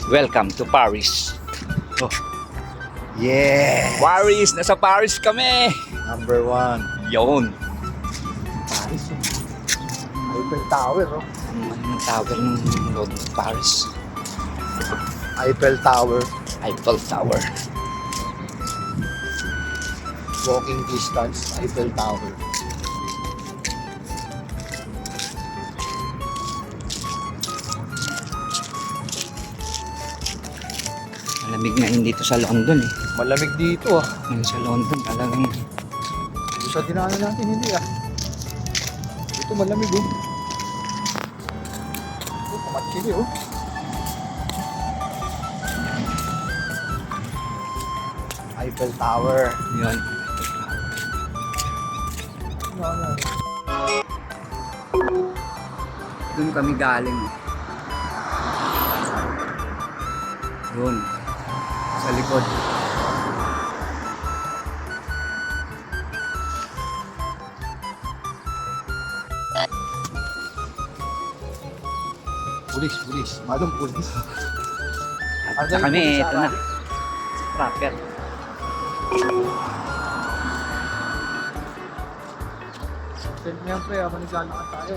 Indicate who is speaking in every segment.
Speaker 1: Welcome to Paris. Oh,
Speaker 2: Yeah!
Speaker 1: Paris! Nasa Paris kami!
Speaker 2: Number 1.
Speaker 1: Yun.
Speaker 2: Paris. Eiffel Tower, no?
Speaker 1: Anong tawag ng road ng Paris?
Speaker 2: Eiffel Tower.
Speaker 1: Eiffel Tower.
Speaker 2: Walking distance, Eiffel Tower.
Speaker 1: Malamig na yun dito sa London eh.
Speaker 2: Malamig dito ah.
Speaker 1: Yung sa London talagang
Speaker 2: Dito sa dinaanan natin hindi ah. Dito malamig oh. Oh, pamatsili oh. Eiffel Tower.
Speaker 1: yun.
Speaker 2: Ano?
Speaker 1: Doon kami galing. Doon. Sa likod.
Speaker 2: Pulis. Madong pulis.
Speaker 1: At sa kami, ito na. Rocket.
Speaker 2: Siyempre, manisala ka tayo.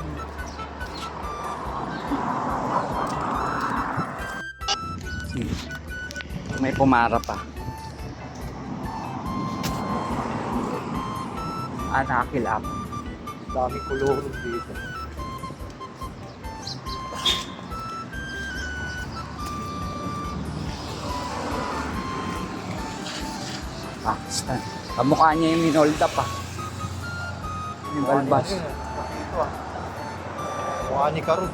Speaker 1: May pumara pa. Nakakilap.
Speaker 2: Dami kulong dito.
Speaker 1: Pakistan. Kamukha niya yung Minolta pa. Yung balbas.
Speaker 2: Ito ah. Mukha ni Karun.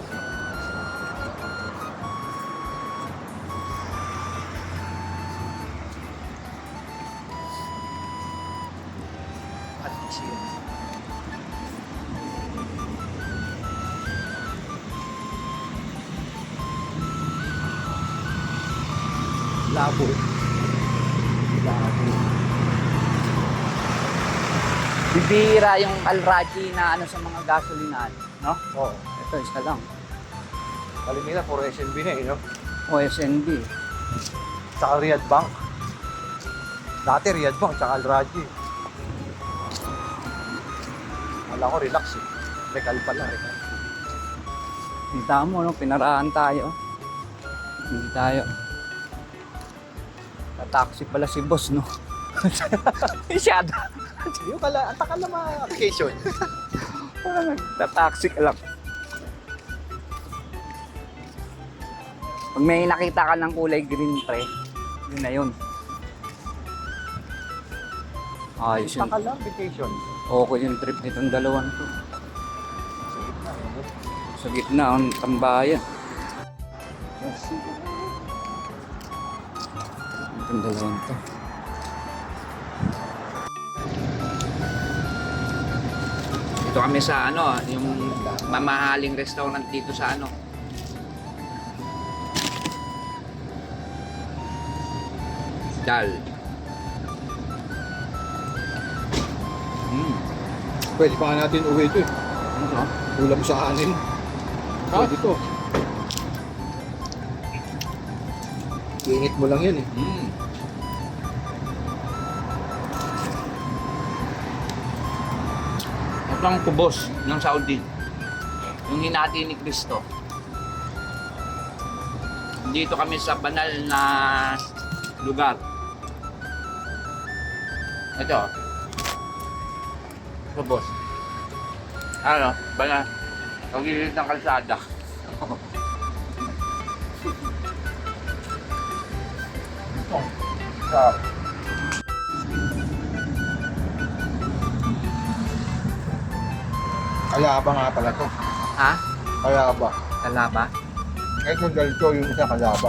Speaker 2: At siya. Labo.
Speaker 1: Bibira yung Al-Raji na ano sa mga gasolinahan, no?
Speaker 2: Oo.
Speaker 1: Ito, isa lang.
Speaker 2: Kalimina, puro SNB na eh, no?
Speaker 1: O SND.
Speaker 2: Tsaka Riyadh Bank. Dati Riyadh Bank, tsaka Al-Raji. Wala ko, relax eh. Rekal pala, rekal.
Speaker 1: Kita mo, no? Pinaraan tayo. Hindi tayo. Taxi pala si boss, no? Masyado.
Speaker 2: Yung pala, ang takal na mga vacation.
Speaker 1: Parang nagtataxi ka lang. Pag may nakita ka ng kulay green, pre, yun na yun. Ayos yun.
Speaker 2: Takal lang, vacation.
Speaker 1: Okay yung trip nitong dalawan to. Sa gitna, ang tambayan. Itong dalawan to. Dito kami sa ano, yung mamahaling restaurant dito sa ano. Dal.
Speaker 2: Pwede pa nga natin uwi ito eh.
Speaker 1: Ano?
Speaker 2: Ulam sa kanin. Pwede ito. Init mo lang yan eh.
Speaker 1: Ito ang kubos ng Saudi. Yung hinati ni Cristo. Dito kami sa banal na lugar. Ito. Kubos. Ano? Banal. Pagilid ng kalsada.
Speaker 2: Sarap. Kalaba nga pala to.
Speaker 1: Ha?
Speaker 2: Kalaba.
Speaker 1: Kalaba?
Speaker 2: Kahit yung ganito, yung isa kalaba.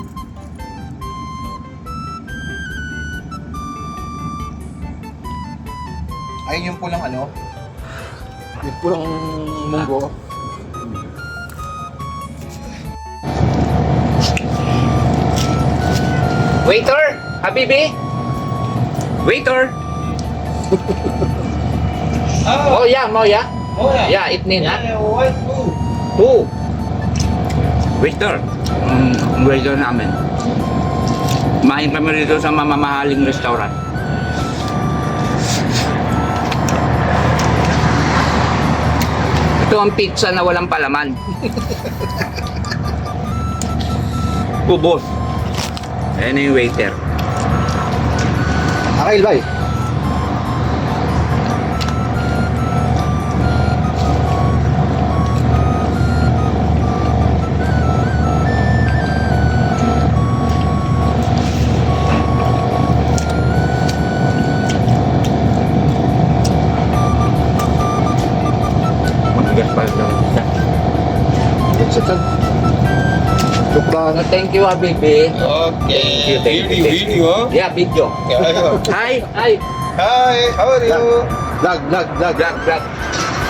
Speaker 2: Ayun yung pulang ano? Yung pulang munggo.
Speaker 1: Waiter! Habibi! Waiter! Oh yeah, Moya.
Speaker 3: Oh, yeah.
Speaker 1: Yeah, itnin ha.
Speaker 3: Yeah, what? Two.
Speaker 1: Two. Waiter. Waiter namin. Kumain kami rito sa mamamahaling restaurant. Ito ang pizza na walang palaman. Ubos. Ayan na yung waiter.
Speaker 2: Akil, bay.
Speaker 1: Mabigat pa lang.
Speaker 2: Satan. Sukran.
Speaker 1: Thank you, baby.
Speaker 3: Okay.
Speaker 1: Thank you.
Speaker 3: Video.
Speaker 1: Yeah, video.
Speaker 3: Yeah.
Speaker 1: Hi.
Speaker 3: Hi, how are you?
Speaker 2: Vlog.
Speaker 1: Vlog.